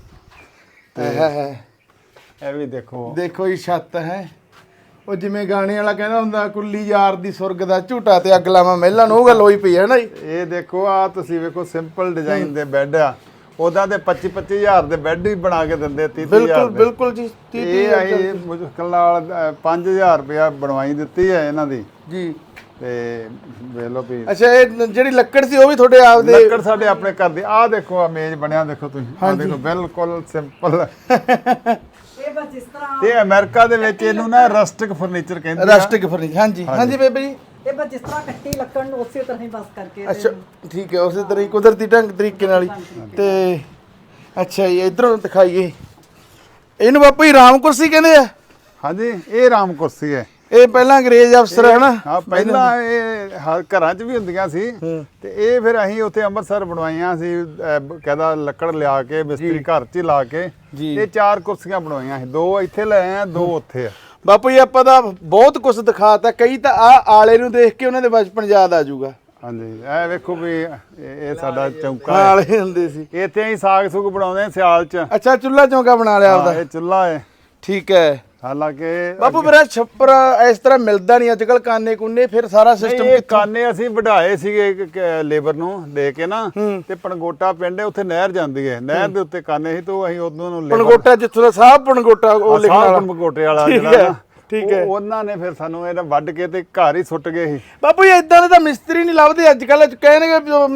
A: ਹੈ
B: ਇਹ ਵੀ ਦੇਖੋ।
A: ਦੇਖੋ ਇਹ ਛੱਤ ਹੈ। ਉਹ ਜਿਵੇਂ ਗਾਣੇ ਵਾਲਾ ਕਹਿੰਦਾ ਹੁੰਦਾ, ਕੁੱਲੀ ਯਾਰ ਦੀ ਸੁਰਗ ਦਾ ਝੂਟਾ ਤੇ ਅੱਗ ਲਾਵਾਂ ਮਹਿਲਾਂ ਨੂੰ, ਉਹ ਗੱਲ ਹੋਈ ਪਈ ਹੈ ਨਾ ਜੀ?
B: ਇਹ ਦੇਖੋ ਆ ਤੁਸੀਂ ਵੇਖੋ ਸਿੰਪਲ ਡਿਜ਼ਾਈਨ ਦੇ ਬੈੱਡ ਆ, ਉਹਦਾ ਤੇ 25-25 ਹਜ਼ਾਰ ਦੇ ਬੈੱਡ ਵੀ ਬਣਾ ਕੇ ਦਿੰਦੇ, 30-30 ਹਜ਼ਾਰ
A: ਬਿਲਕੁਲ
B: ਦੇ।
A: ਬਿਲਕੁਲ ਜੀ।
B: ਇਹ ਆਈ ਮੁਸ਼ਕਲ ਨਾਲ 5000 ਰੁਪਇਆ ਬਣਵਾਈ ਦਿੱਤੀ ਹੈ ਇਹਨਾਂ ਦੀ
A: ਜੀ।
B: ਤੇ ਵੇਖ ਲਓ ਵੀ
A: ਅੱਛਾ ਇਹ ਜਿਹੜੀ ਲੱਕੜ ਸੀ ਉਹ ਵੀ ਤੁਹਾਡੇ ਆਪ ਦੇ?
B: ਲੱਕੜ ਸਾਡੇ ਆਪਣੇ ਘਰ ਦੀ। ਆਹ ਦੇਖੋ ਆ ਮੇਜ਼ ਬਣਿਆ, ਦੇਖੋ ਤੁਸੀਂ, ਆਹ ਦੇਖੋ ਬਿਲਕੁਲ ਸਿੰਪਲ।
C: ਇਹ ਬਸ ਜਿਸ ਤਰ੍ਹਾਂ
B: ਤੇ ਅਮਰੀਕਾ ਦੇ ਵਿੱਚ ਇਹਨੂੰ ਨਾ ਰਸਟਿਕ ਫਰਨੀਚਰ ਕਹਿੰਦੇ ਆ।
A: Rustic furniture. ਹਾਂਜੀ ਹਾਂਜੀ ਬੇਬੇ ਜੀ।
C: ਇਹ ਬਸ ਜਿਸ ਤਰ੍ਹਾਂ ਕੱਟੀ ਲੱਕੜ ਨੂੰ ਉਸੇ ਤਰ੍ਹਾਂ ਹੀ ਬਸ ਕਰਕੇ
A: ਅੱਛਾ ਠੀਕ ਹੈ, ਉਸੇ ਤਰ੍ਹਾਂ ਹੀ ਕੁਦਰਤੀ ਤਰੀਕੇ ਨਾਲ ਹੀ। ਤੇ ਅੱਛਾ ਜੀ ਇਧਰੋਂ ਦਿਖਾਈਏ, ਇਹਨੂੰ ਬਾਪੂ ਜੀ ਰਾਮ ਕੁਰਸੀ ਕਹਿੰਦੇ ਆ?
B: ਹਾਂਜੀ ਇਹ ਰਾਮ ਕੁਰਸੀ ਹੈ।
A: ਇਹ ਪਹਿਲਾਂ ਅੰਗਰੇਜ਼ ਅਫਸਰ ਹੈ ਨਾ।
B: ਹਾਂ ਪਹਿਲਾਂ ਇਹ ਘਰਾਂ 'ਚ ਵੀ ਹੁੰਦੀਆਂ ਸੀ ਤੇ ਇਹ ਫਿਰ ਅਸੀਂ ਉੱਥੇ ਅੰਮ੍ਰਿਤਸਰ ਬਣਵਾਈਆਂ ਸੀ ਕਹਿੰਦਾ ਲੱਕੜ ਲਿਆ ਕੇ ਮਿਸਤਰੀ ਘਰ 'ਚ ਹੀ ਲਾ ਕੇ ਇਹ 4 ਕੁਰਸੀਆਂ ਬਣਵਾਈਆਂ ਸੀ, 2 ਇੱਥੇ ਲੈ ਆਏ ਆ 2 ਉੱਥੇ ਆ।
A: ਬਾਪੂ ਜੀ ਆਪਾਂ ਤਾਂ ਬਹੁਤ ਕੁਝ ਦਿਖਾਤਾ, ਕਈ ਤਾਂ ਆਲੇ ਨੂੰ ਦੇਖ ਕੇ ਉਹਨਾਂ ਦੇ ਬਚਪਨ ਯਾਦ ਆ ਜਾਊਗਾ।
B: ਹਾਂਜੀ ਇਹ ਵੇਖੋ ਵੀ ਇਹ ਸਾਡਾ ਚੌਂਕਾ
A: ਆਲੇ ਹੁੰਦੇ ਸੀ
B: ਇੱਥੇ ਅਸੀਂ ਸਾਗ ਸੁਗ ਬਣਾਉਂਦੇ ਆ ਸਿਆਲ 'ਚ।
A: ਅੱਛਾ ਚੁੱਲ੍ਹਾ ਚੌਂਕਾ ਬਣਾ ਲਿਆ ਆਪਦਾ।
B: ਇਹ ਚੁੱਲ੍ਹਾ ਹੈ।
A: ਠੀਕ ਹੈ
B: ਹਾਲਾਂਕਿ
A: ਬਾਪੂ ਮੇਰਾ ਛੱਪਰ ਇਸ ਤਰ੍ਹਾਂ ਮਿਲਦਾ ਨਹੀਂ ਅੱਜ ਕੱਲ, ਕਾਨੇ ਕੁੰਨੇ ਫਿਰ ਸਾਰਾ ਸਿਸਟਮ
B: ਇਹ ਕਾਨੇ ਅਸੀਂ ਵਢਾਏ ਸੀਗੇ ਲੇਬਰ ਨੂੰ ਦੇ ਕੇ ਨਾ ਤੇ ਪਣਗੋਟਾ ਪਿੰਡ ਹੈ ਉੱਥੇ ਨਹਿਰ ਜਾਂਦੀ ਹੈ, ਨਹਿਰ ਦੇ ਉੱਤੇ ਕਾਨੇ ਸੀ ਤੋਂ ਅਸੀਂ ਉਦੋਂ ਨੂੰ
A: ਪਣਗੋਟਾ ਜਿੱਥੋਂ ਦਾ ਸਾਹਿਬ ਪਣਗੋਟਾ ਉਹ ਲਿਖਣ ਵਾਲਾ
B: ਪਣਗੋਟੇ ਵਾਲਾ
A: ਠੀਕ
B: ਜਿਹੜਾ
A: ਹੈ, ਠੀਕ ਹੈ।
B: ਉਹਨਾਂ ਨੇ ਫਿਰ ਸਾਨੂੰ ਇਹਦਾ ਵੱਢ ਕੇ ਤੇ ਘਰ ਹੀ ਸੁੱਟ ਗਏ ਸੀ।
A: ਬਾਪੂ ਜੀ ਇਦਾਂ ਦੇ ਤਾਂ ਮਿਸਤਰੀ ਨਹੀਂ ਲੱਭਦੇ ਅੱਜ ਕੱਲ, ਕਹਿਣਗੇ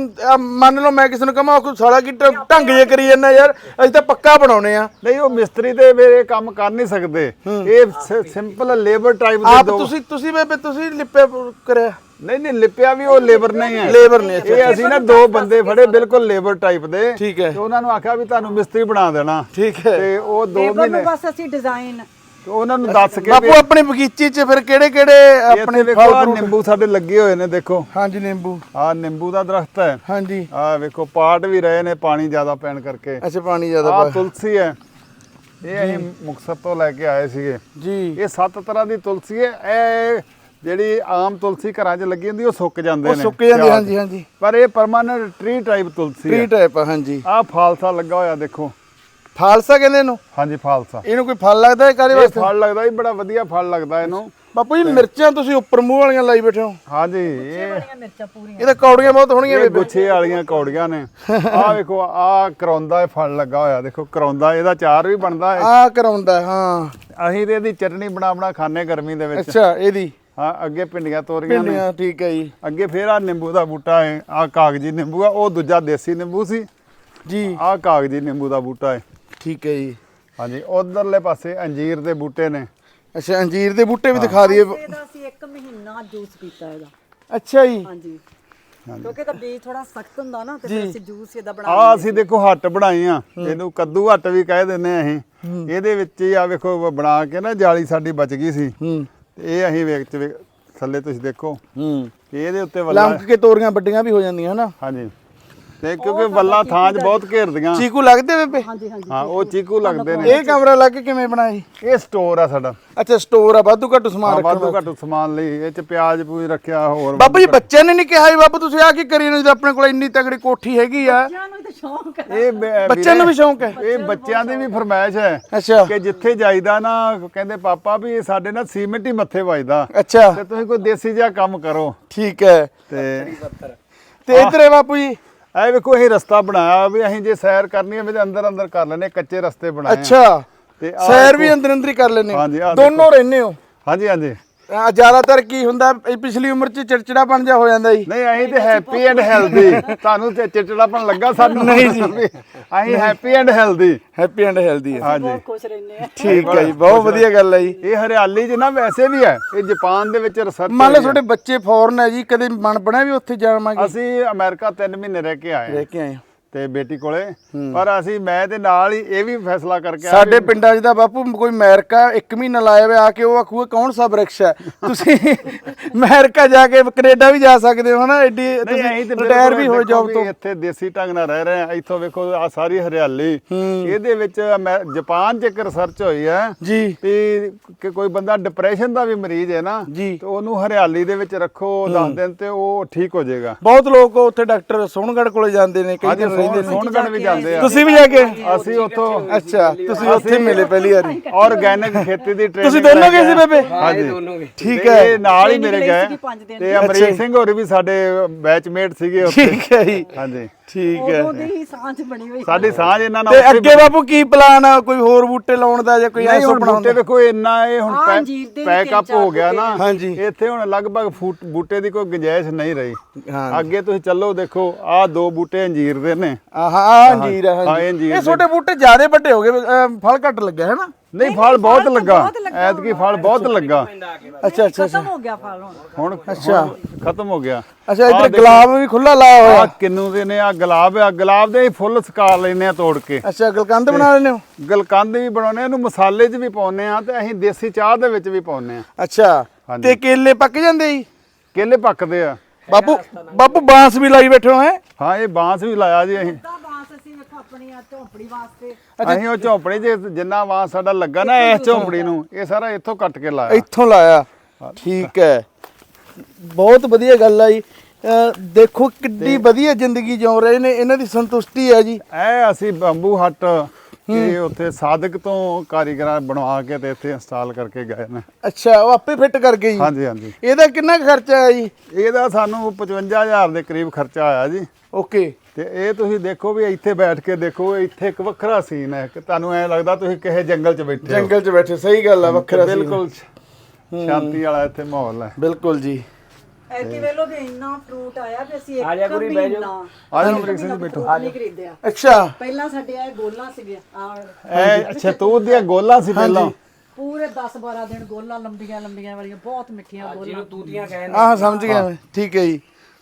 A: ਮੰਨ ਲਓ ਮੈਂ ਕਿਸੇ ਨੂੰ ਕਹਾਂ ਕੋਈ ਸਾਲਾ ਕੀ ਢੰਗ ਜੇ ਕਰੀ ਜਾਂਦਾ ਯਾਰ, ਅਸੀਂ ਤਾਂ ਪੱਕਾ ਬਣਾਉਣੇ ਆ।
B: ਨਹੀਂ ਉਹ ਮਿਸਤਰੀ ਤੇ ਮੇਰੇ ਕੰਮ ਕਰ ਨਹੀਂ ਸਕਦੇ, ਇਹ ਸਿੰਪਲ ਲੇਬਰ ਟਾਈਪ ਦੇ
A: ਆਪ ਤੁਸੀਂ ਬੇਬੇ ਤੁਸੀਂ ਲਿਪਿਆ ਕਰਿਆ?
B: ਨਹੀਂ ਲਿਪਿਆ ਵੀ ਉਹ ਲੇਬਰ ਨਹੀਂ ਹੈ,
A: ਲੇਬਰ ਨੇ।
B: ਇਹ ਅਸੀਂ ਨਾ 2 ਬੰਦੇ ਫੜੇ ਬਿਲਕੁਲ ਲੇਬਰ ਟਾਈਪ ਦੇ।
A: ਠੀਕ ਹੈ।
B: ਤੇ ਉਹਨਾਂ ਨੂੰ ਆਖਿਆ ਵੀ ਤੁਹਾਨੂੰ ਮਿਸਤਰੀ ਬਣਾ ਦੇਣਾ।
A: ਠੀਕ ਹੈ।
B: ਤੇ ਉਹ 2
C: ਲੇਬਰ
B: ਮਹੀਨੇ
C: ਨੂੰ ਬਸ ਅਸੀਂ ਡਿਜ਼ਾਈਨ
B: ਉਹਨਾਂ ਨੂੰ ਦੱਸ ਕੇ
A: ਬਾਪੂ ਆਪਣੇ ਬਗੀਚੇ 'ਚ ਫਿਰ ਕਿਹੜੇ ਆਪਣੇ
B: ਵੇਖੋ ਆਹ ਨਿੰਬੂ ਸਾਡੇ ਲੱਗੇ ਹੋਏ ਨੇ, ਦੇਖੋ।
A: ਹਾਂਜੀ ਨਿੰਬੂ,
B: ਆਹ ਨਿੰਬੂ ਦਾ ਦਰਖਤ ਹੈ।
A: ਹਾਂਜੀ
B: ਆਹ ਵੇਖੋ ਪਾਟ ਵੀ ਰਹੇ ਨੇ ਪਾਣੀ ਜ਼ਿਆਦਾ ਪੈਣ ਕਰਕੇ।
A: ਅੱਛਾ ਪਾਣੀ ਜ਼ਿਆਦਾ
B: ਆਹ ਤੁਲਸੀ ਹੈ, ਇਹ ਅਸੀਂ ਮੁਕਤਸਰ ਤੋਂ ਲੈ ਕੇ ਆਏ ਸੀਗੇ
A: ਜੀ।
B: ਇਹ 7 ਤਰ੍ਹਾਂ ਦੀ ਤੁਲਸੀ ਹੈ। ਇਹ ਜਿਹੜੀ ਆਮ ਤੁਲਸੀ ਘਰਾਂ 'ਚ ਲੱਗੀ ਹੁੰਦੀ ਉਹ ਸੁੱਕ ਜਾਂਦੇ ਨੇ,
A: ਸੁੱਕ ਜਾਂਦੀ। ਹਾਂਜੀ ਹਾਂਜੀ
B: ਪਰ ਇਹ ਪਰਮਾਨੈਂਟ ਟ੍ਰੀ ਟਾਈਪ ਤੁਲਸੀ ਹੈ।
A: Tree type. ਹਾਂਜੀ
B: ਆਹ ਫਾਲਸਾ ਲੱਗਾ ਹੋਇਆ ਦੇਖੋ।
A: ਫਾਲਸਾ ਕਹਿੰਦੇ ਇਹਨੂੰ?
B: ਹਾਂਜੀ ਫਾਲਸਾ।
A: ਇਹਨੂੰ ਕੋਈ ਫਲ ਲੱਗਦਾ ਹੈ ਕਾਰੇ
B: ਇਹ
A: ਵਾਸਤੇ?
B: ਫਲ ਲੱਗਦਾ ਜੀ, ਬੜਾ ਵਧੀਆ ਫਲ ਲੱਗਦਾ ਇਹਨੂੰ।
A: ਬਾਪੂ ਜੀ ਮਿਰਚਾਂ ਤੁਸੀਂ ਉੱਪਰ ਮੂੰਹ ਵਾਲੀਆਂ ਲਾਈ ਬੈਠੇ ਹੋ।
B: ਹਾਂਜੀ
C: ਮਿਰਚਾਂ ਪੂਰੀਆਂ।
A: ਇਹ ਤਾਂ ਕੌੜੀਆਂ ਬਹੁਤ ਹੋਣਗੀਆਂ
B: ਇਹ ਗੁੱਛੇ ਵਾਲੀਆਂ ਕੌੜੀਆਂ ਨੇ। ਆਹ ਵੇਖੋ ਆਹ ਕਰੌਂਦਾ ਇਹ ਫਲ ਲੱਗਾ ਹੋਇਆ ਦੇਖੋ, ਕਰੌਂਦਾ ਇਹਦਾ ਚਾਰ ਵੀ ਬਣਦਾ ਹੈ।
A: ਆਹ ਕਰਾਉਂਦਾ ਹਾਂ।
B: ਅਸੀਂ ਤੇ ਇਹਦੀ ਚਟਨੀ ਬਣਾ ਖਾਣੇ ਗਰਮੀ ਦੇ ਵਿੱਚ।
A: ਅੱਛਾ ਇਹਦੀ?
B: ਹਾਂ ਅੱਗੇ ਭਿੰਡੀਆਂ ਤੋਰੀਆਂ ਨੇ।
A: ਭਿੰਡੀਆਂ ਠੀਕ ਹੈ ਜੀ।
B: ਅੱਗੇ ਫੇਰ ਆ ਨਿੰਬੂ ਦਾ ਬੂਟਾ ਹੈ, ਆਹ ਕਾਗਜੀ ਨਿੰਬੂ ਆ, ਉਹ ਦੂਜਾ ਦੇਸੀ ਨਿੰਬੂ ਸੀ
A: ਜੀ।
B: ਆਹ ਕਾਗਜੀ ਨਿੰਬੂ ਦਾ ਬੂਟਾ ਹੈ।
A: ਠੀਕ ਹੈ ਜੀ।
B: ਹਾਂਜੀ ਉਧਰਲੇ ਪਾਸੇ ਅੰਜੀਰ ਦੇ ਬੂਟੇ ਨੇ।
A: ਅੱਛਾ ਅੰਜੀਰ ਦੇ ਬੂਟੇ ਵੀ ਦਿਖਾ ਦਈਏ।
C: ਇਹਦਾ ਅਸੀਂ 1 ਮਹੀਨਾ ਜੂਸ ਪੀਤਾ ਇਹਦਾ।
A: ਅੱਛਾ ਜੀ।
C: ਹਾਂਜੀ ਕਿਉਂਕਿ ਤਾਂ ਬੀਜ ਥੋੜਾ ਸਖਤ ਹੁੰਦਾ ਨਾ ਤੇ ਫਿਰ ਅਸੀਂ ਜੂਸ ਇਹਦਾ ਬਣਾ
B: ਆਹ ਅਸੀਂ ਦੇਖੋ ਹੱਟ ਬਣਾਈ ਆ, ਇਹਨੂੰ ਕੱਦੂ ਹੱਟ ਵੀ ਕਹਿ ਦਿੰਦੇ ਆ ਅਸੀਂ। ਇਹਦੇ ਵਿੱਚ ਹੀ ਆ ਵੇਖੋ ਬਣਾ ਕੇ ਨਾ ਜਾਲੀ ਸਾਡੀ ਬਚ ਗਈ ਸੀ। ਇਹ ਅਸੀਂ ਵਿੱਚ ਥੱਲੇ ਤੁਸੀਂ ਦੇਖੋ ਇਹਦੇ ਉੱਤੇ ਵੱਲਾ
A: ਲੰਕ ਕੇ ਤੋਰੀਆਂ ਵੱਡੀਆਂ ਵੀ ਹੋ ਜਾਂਦੀਆਂ ਹਨਾ।
B: ਹਾਂਜੀ ਤੇ ਕਿਉਂਕਿ ਵੱਲਾ ਥਾਂ 'ਚ ਬਹੁਤ ਘੇਰਦੀਆਂ।
A: ਚੀਕੂ ਲੱਗਦੇ ਬੇਬੇ?
C: ਹਾਂਜੀ ਹਾਂਜੀ
B: ਹਾਂ ਉਹ ਚੀਕੂ ਲੱਗਦੇ ਨੇ।
A: ਇਹ ਕਮਰਾ ਲੱਗ ਕੇ ਕਿਵੇਂ ਬਣਾਇਆ?
B: ਇਹ ਸਟੋਰ ਆ ਸਾਡਾ।
A: ਅੱਛਾ ਸਟੋਰ ਆ, ਵਾਧੂ ਘੱਟੂ ਸਮਾਨ ਰੱਖਣ
B: ਵਾਧੂ ਘੱਟ ਸਮਾਨ ਲਈ ਇਹ 'ਚ ਪਿਆਜ਼ ਪੂਜ ਰੱਖਿਆ ਹੋਰ।
A: ਬਾਬੂ ਜੀ ਬੱਚਿਆਂ ਨੇ ਨਹੀਂ ਕਿਹਾ ਜੀ ਬਾਬੂ ਤੁਸੀਂ ਆ ਕੀ ਕਰੀ ਨਾ, ਜਦੋਂ ਆਪਣੇ ਕੋਲ ਇੰਨੀ ਤਗੜੀ ਕੋਠੀ ਹੈਗੀ ਆ।
C: ਬੱਚਿਆਂ ਨੂੰ ਤਾਂ ਸ਼ੌਂਕ ਹੈ।
B: ਇਹ
A: ਬੱਚਿਆਂ ਨੂੰ ਵੀ ਸ਼ੌਂਕ ਹੈ?
B: ਇਹ ਬੱਚਿਆਂ ਦੀ ਵੀ ਫਰਮਾਇਸ਼ ਹੈ
A: ਅੱਛਾ
B: ਕਿ ਜਿੱਥੇ ਜਾਈਦਾ ਨਾ ਕਹਿੰਦੇ ਪਾਪਾ ਵੀ ਇਹ ਸਾਡੇ ਨਾਲ ਸੀਮਿੰਟ ਹੀ ਮੱਥੇ ਵੱਜਦਾ
A: ਅੱਛਾ
B: ਤੇ ਤੁਸੀਂ ਕੋਈ ਦੇਸੀ ਜਿਹਾ ਕੰਮ ਕਰੋ।
A: ਠੀਕ ਹੈ।
B: ਤੇ
A: ਇਧਰ ਹੈ ਬਾਪੂ ਜੀ।
B: ਇਹ ਵੇਖੋ ਅਸੀਂ ਰਸਤਾ ਬਣਾਇਆ ਵੀ ਅਸੀਂ ਜੇ ਸੈਰ ਕਰਨੀ ਹੈ ਅੰਦਰ ਅੰਦਰ ਕਰ ਲੈਣੇ, ਕੱਚੇ ਰਸਤੇ ਬਣਾਏ।
A: ਅੱਛਾ
B: ਤੇ
A: ਸੈਰ ਵੀ ਅੰਦਰ ਅੰਦਰ ਹੀ ਕਰ ਲੈਨੇ
B: ਹਾਂਜੀ, ਆਹ
A: ਦੋਨੋਂ ਰਹਿੰਦੇ ਹੋ?
B: ਹਾਂਜੀ ਹਾਂਜੀ।
A: ਜ਼ਿਆਦਾਤਰ ਕੀ ਹੁੰਦਾ ਇਹ ਪਿਛਲੀ ਉਮਰ 'ਚ ਚਿੜਚਿੜਾ ਬਣ ਜਾ ਹੋ ਜਾਂਦਾ ਜੀ।
B: ਨਹੀਂ ਅਸੀਂ ਤੇ ਹੈਪੀ ਐਂਡ ਹੈਲਦੀ। ਤੁਹਾਨੂੰ ਤੇ ਚਿੜਚਿੜਾਪਣ ਲੱਗਾ, ਸਾਨੂੰ
A: ਨਹੀਂ ਜੀ।
B: ਅਸੀਂ happy and healthy.
A: Happy and healthy ਹੈ।
B: ਹਾਂਜੀ
C: ਬਹੁਤ ਖੁਸ਼ ਰਹਿੰਦੇ ਆ।
A: ਠੀਕ ਹੈ ਜੀ, ਬਹੁਤ ਵਧੀਆ ਗੱਲ ਹੈ ਜੀ।
B: ਇਹ ਹਰਿਆਲੀ 'ਚ ਨਾ ਵੈਸੇ ਵੀ ਹੈ, ਇਹ ਜਾਪਾਨ ਦੇ ਵਿੱਚ ਰਿਸਰਚ।
A: ਮੰਨ ਲਓ ਤੁਹਾਡੇ ਬੱਚੇ ਫੋਰਨ ਹੈ ਜੀ, ਕਦੇ ਮਨ ਬਣਿਆ ਵੀ ਉੱਥੇ ਜਾਵਾਂਗੇ?
B: ਅਸੀਂ ਅਮਰੀਕਾ 3 ਮਹੀਨੇ ਰਹਿ ਕੇ ਆਏ
A: ਰਹਿ ਕੇ ਆਏ
B: ਤੇ ਬੇਟੀ ਕੋਲੇ, ਪਰ ਅਸੀਂ ਮੈਂ ਤੇ ਨਾਲ ਹੀ ਇਹ ਵੀ ਫੈਸਲਾ ਕਰਕੇ ਆਏ
A: ਸਾਡੇ ਪਿੰਡਾਂ 'ਚ ਤਾਂ ਬਾਪੂ ਕੋਈ ਅਮਰੀਕਾ 1 ਮਹੀਨਾ ਲਾਇਆ ਵੇ ਆ ਕੇ ਉਹ ਆਖੂਗਾ ਕੌਣ ਸਾ ਬ੍ਰਿਕਸ਼ ਹੈ। ਤੁਸੀਂ ਅਮਰੀਕਾ ਜਾ ਕੇ ਕੈਨੇਡਾ ਵੀ ਜਾ ਸਕਦੇ ਹੋ ਹਨਾ, ਐਡੀ ਤੁਸੀਂ ਰਿਟਾਇਰ ਵੀ ਹੋ ਜੌਬ ਤੋਂ।
B: ਇੱਥੇ ਦੇਸੀ ਢੰਗ ਨਾਲ ਰਹਿ ਰਹੇ ਆ। ਇੱਥੋਂ ਵੇਖੋ ਆ ਸਾਰੀ ਹਰਿਆਲੀ। ਇਹਦੇ ਵਿੱਚ ਜਾਪਾਨ 'ਚ ਇੱਕ ਰਿਸਰਚ ਹੋਈ ਹੈ
A: ਜੀ
B: ਕਿ ਕੋਈ ਬੰਦਾ ਡਿਪਰੈਸ਼ਨ ਦਾ ਵੀ ਮਰੀਜ਼ ਹੈ ਨਾ
A: ਜੀ,
B: ਤੇ ਉਹਨੂੰ ਹਰਿਆਲੀ ਦੇ ਵਿੱਚ ਰੱਖੋ 10 ਦਿਨ ਤੇ ਉਹ ਠੀਕ ਹੋ ਜਾਏਗਾ।
A: ਬਹੁਤ ਲੋਕ ਉੱਥੇ ਡਾਕਟਰ ਸੋਹਣਗੜ੍ਹ ਕੋਲੇ ਜਾਂਦੇ ਨੇ, ਕਈ ਦਿਨ ਰਹਿੰਦੇ ਨੇ।
B: ਸੋਹਣਗੜ੍ਹ ਵੀ ਜਾਂਦੇ ਆ।
A: ਤੁਸੀਂ ਵੀ ਜਾ ਕੇ?
B: ਅਸੀਂ ਉੱਥੋਂ
A: ਅੱਛਾ ਤੁਸੀਂ ਉੱਥੇ ਮਿਲੇ ਪਹਿਲੀ ਵਾਰੀ?
B: ਆਰਗੈਨਿਕ ਖੇਤੀ ਦੀ ਟ੍ਰੇਨਿੰਗ
A: ਤੁਸੀਂ ਦੋਨੋਂ ਗਏ ਸੀ ਬੇਬੇ?
B: ਹਾਂਜੀ
A: ਠੀਕ ਹੈ।
B: ਇਹ ਨਾਲ ਹੀ ਮੇਰੇ ਗਏ
C: ਦਿਨ।
B: ਤੇ ਅਮਰੀਕ ਸਿੰਘ ਹੋਰ ਵੀ ਸਾਡੇ ਬੈਚਮੇਟ ਸੀਗੇ ਉੱਥੇ।
A: ਠੀਕ ਹੈ ਜੀ,
B: ਹਾਂਜੀ
A: ਠੀਕ ਹੈ।
C: ਉਦੋਂ ਦੀ ਹੀ ਸਾਂਝ ਬਣੀ ਹੋਈ।
B: ਸਾਡੀ ਸਾਂਝ ਇਹਨਾਂ ਨਾਲ
A: ਤੇ
B: ਉੱਥੇ
A: ਅੱਗੇ ਬਾਪੂ ਕੀ ਪਲਾਨ ਆ, ਕੋਈ ਹੋਰ ਬੂਟੇ ਲਾਉਣ ਦਾ ਜਾਂ ਕੋਈ
B: ਨਹੀਂ
A: ਐਸਾ
B: ਹੁਣ
A: ਬਣਾਉਣ
B: ਬੂਟੇ
A: ਦਾ?
B: ਵੇਖੋ ਇੰਨਾ ਇਹ ਹੁਣ
C: ਹਾਂ, ਅੰਜੀਰ ਦੇ ਵੀ
B: ਪੈਕ ਅਪ
C: 3-4
B: ਹੋ ਗਿਆ ਨਾ।
A: ਹਾਂਜੀ।
B: ਇੱਥੇ ਹੁਣ ਲਗਭਗ ਬੂਟੇ ਦੀ ਕੋਈ ਗੁੰਜਾਇਸ਼ ਨਹੀਂ ਰਹੀ।
A: ਹਾਂ
B: ਅੱਗੇ ਤੁਸੀਂ ਚੱਲੋ ਦੇਖੋ ਆਹ 2 ਬੂਟੇ ਅੰਜੀਰ ਦੇ ਨੇ।
A: ਆਹ ਅੰਜੀਰ
B: ਹਾਂ,
A: ਹੈ।
B: ਇਹ ਅੰਜੀਰ
A: ਇਹ ਛੋਟੇ ਬੂਟੇ ਜ਼ਿਆਦਾ ਵੱਡੇ ਹੋ ਗਏ, ਫਲ ਘੱਟ ਲੱਗਿਆ ਹੈ ਨਾ?
B: ਨਹੀਂ ਫਲ ਬਹੁਤ ਲੱਗਾ, ਐਤਕੀ ਫਲ ਬਹੁਤ ਲੱਗਾ।
A: ਅੱਛਾ ਅੱਛਾ
C: ਖਤਮ ਹੋ ਗਿਆ ਫਲ ਹੁਣ।
B: ਅੱਛਾ ਖਤਮ ਹੋ ਗਿਆ।
A: ਅੱਛਾ ਇੱਧਰ ਗੁਲਾਬ ਵੀ ਖੁੱਲਾ ਲਾਇਆ ਹੋਇਆ?
B: ਆ ਕਿੰਨੂ ਦੇ ਨੇ, ਆ ਗੁਲਾਬ ਦੇ ਫੁੱਲ ਸੁਕਾ ਲੈਨੇ ਆ ਤੋੜ ਕੇ।
A: ਅੱਛਾ ਗਲਕੰਦ ਬਣਾ ਲੈਂਦੇ ਹੋ?
B: ਗਲਕੰਦ ਵੀ ਬਣਾਉਨੇ, ਇਹਨੂੰ ਮਸਾਲੇ 'ਚ ਵੀ ਪਾਉਨੇ ਆ ਤੇ ਅਸੀਂ ਦੇਸੀ ਚਾਹ ਦੇ ਵਿੱਚ ਵੀ ਪਾਉਨੇ ਆ।
A: ਅੱਛਾ
B: ਹਾਂਜੀ।
A: ਤੇ ਕੇਲੇ ਪੱਕ ਜਾਂਦੇ ਜੀ?
B: ਕੇਲੇ ਪੱਕਦੇ ਆ।
A: ਬਾਪੂ ਬਾਂਸ ਵੀ ਲਾਈ ਬੈਠੇ ਹੋ ਹੈ?
B: ਹਾਂ ਇਹ ਬਾਂਸ ਵੀ ਲਾਇਆ ਜੀ ਅਸੀਂ।
C: ਤਾਂ ਬਾਂਸ ਅਸੀਂ ਵੇਖੋ ਆਪਣੀ ਆ ਝੌਂਪੜੀ ਵਾਸਤੇ
B: ਅਸੀਂ ਉਹ ਝੌਂਪੜੀ 'ਚ ਜਿੰਨਾ ਬਾਂਸ ਸਾਡਾ ਲੱਗਾ ਨਾ ਇਸ ਝੌਂਪੜੀ ਨੂੰ, ਇਹ ਸਾਰਾ ਇੱਥੋਂ ਕੱਟ ਕੇ ਲਾਇਆ।
A: ਇੱਥੋਂ ਲਾਇਆ, ਠੀਕ ਹੈ, ਬਹੁਤ ਵਧੀਆ ਗੱਲ ਆ ਜੀ। ਦੇਖੋ ਕਿੱਡੀ ਵਧੀਆ ਜ਼ਿੰਦਗੀ ਜਿਉ ਰਹੇ ਨੇ, ਇਹਨਾਂ ਦੀ ਸੰਤੁਸ਼ਟੀ ਹੈ ਜੀ।
B: ਇਹ ਅਸੀਂ ਬੰਬੂ ਹੱਟ ਇਹ ਉੱਥੇ ਸਾਦਕ ਤੋਂ ਕਾਰੀਗਰਾਂ ਬਣਵਾ ਕੇ ਤੇ ਇੱਥੇ ਇੰਸਟਾਲ ਕਰਕੇ ਗਏ ਨੇ।
A: ਅੱਛਾ, ਉਹ ਆਪੇ ਫਿੱਟ ਕਰ ਗਏ ਜੀ?
B: ਹਾਂਜੀ ਹਾਂਜੀ।
A: ਇਹਦਾ ਕਿੰਨਾ ਕੁ ਖਰਚਾ ਆਇਆ ਜੀ?
B: ਇਹਦਾ ਸਾਨੂੰ 55,000 ਦੇ ਕਰੀਬ ਖਰਚਾ ਆਇਆ ਜੀ।
A: ਓਕੇ।
B: ਤੇ ਇਹ ਤੁਸੀਂ ਦੇਖੋ ਵੀ ਇੱਥੇ ਬੈਠ ਕੇ ਦੇਖੋ, ਇੱਥੇ ਇੱਕ ਵੱਖਰਾ ਸੀਨ ਹੈ ਕਿ ਤੁਹਾਨੂੰ ਐ ਲੱਗਦਾ ਤੁਸੀਂ ਕਿਸੇ ਜੰਗਲ 'ਚ ਬੈਠੇ ਹੋ।
A: ਜੰਗਲ 'ਚ ਬੈਠੇ, ਸਹੀ ਗੱਲ ਆ, ਵੱਖਰਾ scene।
B: ਬਿਲਕੁਲ ਸ਼ਾਂਤੀ ਵਾਲਾ ਇੱਥੇ ਮਾਹੌਲ ਹੈ।
A: ਬਿਲਕੁਲ ਜੀ।
C: ਐਤੀ ਵੇਲੋ ਵੀ ਇੰਨਾ ਫਰੂਟ ਆਇਆ ਵੀ ਅਸੀਂ ਇੱਕ
B: ਆਜਾ ਅਮਰੀਕ ਸਿੰਘ ਬੈਠੋ।
C: ਨਹੀਂ ਖਰੀਦਿਆ।
A: ਅੱਛਾ,
C: ਪਹਿਲਾਂ ਸਾਡੇ ਇਹ ਗੋਲਾਂ ਸੀਗੇ
B: ਇਹ ਅੱਛਾ ਤੂਤ ਦੀਆਂ ਗੋਲਾਂ ਸੀ ਪਹਿਲਾਂ।
C: ਪੂਰੇ 10-12 ਦਿਨ ਗੋਲਾਂ ਲੰਬੀਆਂ ਲੰਬੀਆਂ ਵਾਲੀਆਂ ਬਹੁਤ ਮਿੱਠੀਆਂ ਗੋਲਾਂ ਜਿਹਨੂੰ ਤੂਤੀਆਂ ਕਹਿੰਦੇ।
A: ਆਹ ਸਮਝ ਗਿਆ ਮੈਂ, ਠੀਕ ਹੈ ਜੀ।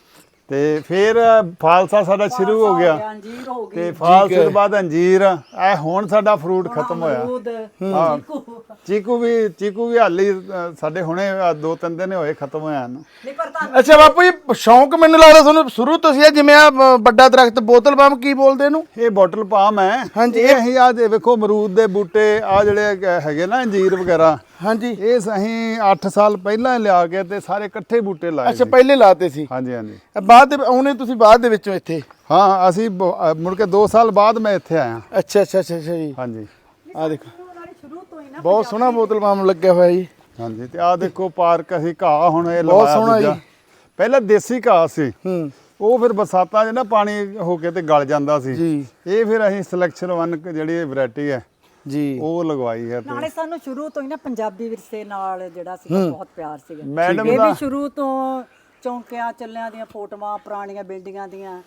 B: ਤੇ ਫਿਰ ਫਾਲਸਾ ਸਾਡਾ ਸ਼ੁਰੂ ਹੋ ਗਿਆ
C: ਅੰਜੀਰ ਹੋ ਗਈ
B: ਤੇ ਫਾਲਸੇ ਤੋਂ ਬਾਅਦ ਅੰਜੀਰ। ਇਹ ਹੁਣ ਸਾਡਾ ਫਰੂਟ ਖਤਮ ਹੋਇਆ।
C: ਅਮਰੂਦ,
B: ਹਾਂ
C: ਚੀਕੂ।
B: ਚੀਕੂ ਵੀ ਹਾਲੀ ਸਾਡੇ ਹੁਣੇ 2-3 ਦਿਨ ਹੋਏ ਖਤਮ ਹੋਇਆ ਨੂੰ।
C: ਨਹੀਂ ਪਰ ਤੁਹਾਨੂੰ
A: ਅੱਛਾ ਬਾਪੂ ਜੀ, ਸ਼ੌਂਕ ਮੈਨੂੰ ਲੱਗਦਾ ਤੁਹਾਨੂੰ ਸ਼ੁਰੂ ਤੋਂ ਸੀ ਆ, ਜਿਵੇਂ ਆ ਵੱਡਾ ਦਰਖਤ ਬੋਤਲ ਬੰਬ ਕੀ ਬੋਲਦੇ ਇਹਨੂੰ?
B: ਇਹ ਬੋਟਲ ਪਾਮ ਹੈ।
A: ਹਾਂਜੀ।
B: ਇਹ ਅਸੀਂ ਆ ਵੇਖੋ ਅਮਰੂਦ ਦੇ ਬੂਟੇ ਆ ਜਿਹੜੇ ਹੈਗੇ ਨਾ ਅੰਜੀਰ ਵਗੈਰਾ,
A: ਹਾਂਜੀ।
B: ਇਹ ਅਸੀਂ 8 ਸਾਲ ਪਹਿਲਾਂ ਲਿਆ ਕੇ ਤੇ ਸਾਰੇ ਇਕੱਠੇ ਬੂਟੇ ਲਾਏ
A: ਅੱਛਾ,
B: ਸੀ।
A: ਪਹਿਲੇ ਲਾਤੇ ਸੀ?
B: ਹਾਂਜੀ ਹਾਂਜੀ।
A: ਬਾਅਦ ਦੇ ਆਉਣੇ ਤੁਸੀਂ ਬਾਅਦ ਦੇ ਵਿੱਚੋਂ ਇੱਥੇ?
B: ਹਾਂ ਅਸੀਂ ਮੁੜ ਕੇ 2 ਸਾਲ ਬਾਅਦ ਮੈਂ ਇੱਥੇ ਆਇਆ।
A: ਅੱਛਾ ਅੱਛਾ ਅੱਛਾ ਅੱਛਾ ਜੀ।
B: ਹਾਂਜੀ
A: ਆ ਦੇਖੋ,
C: ਉਹਨਾਂ ਨੇ ਸ਼ੁਰੂ ਤੋਂ ਹੀ ਨਾ
A: ਬਹੁਤ ਸੋਹਣਾ ਬੋਤਲ ਬੰਬ ਲੱਗਿਆ ਹੋਇਆ ਜੀ।
B: ਹਾਂਜੀ। ਤੇ ਆ ਦੇਖੋ ਪਾਰਕ ਅਸੀਂ ਘਾਹ ਹੁਣ ਇਹ
A: ਬਹੁਤ
B: ਲਵਾਇਆ
A: ਸੋਹਣਾ
B: ਦੂਜਾ।
A: ਜੀ।
B: ਪਹਿਲਾਂ ਦੇਸੀ ਘਾਹ ਸੀ,
A: ਹੂੰ
B: ਉਹ ਫਿਰ ਬਰਸਾਤਾਂ 'ਚ ਨਾ ਪਾਣੀ ਹੋ ਕੇ ਤੇ ਗਲ ਜਾਂਦਾ ਸੀ।
A: ਜੀ
B: ਇਹ ਫਿਰ ਅਸੀਂ ਸਿਲੈਕਸ਼ਨ 1 ਜਿਹੜੀ ਵੈਰਾਈਟੀ ਹੈ
A: ਜੀ।
B: ਉਹ ਲਗਵਾਈ ਹੈ।
C: ਨਾਲੇ ਸਾਨੂੰ ਸ਼ੁਰੂ ਤੋਂ ਹੀ ਨਾ ਪੰਜਾਬੀ ਵਿਰਸੇ ਨਾਲ ਜਿਹੜਾ ਸੀਗਾ ਬਹੁਤ ਪਿਆਰ ਸੀਗਾ।
B: ਮੈਡਮ
C: ਇਹ
B: ਦਾ
C: ਵੀ ਸ਼ੁਰੂ ਤੋਂ ਚੌਂਕਿਆਂ ਚੱਲਿਆਂ ਦੀਆਂ ਫੋਟੋਆਂ, ਪੁਰਾਣੀਆਂ ਬਿਲਡਿੰਗਾਂ ਦੀਆਂ।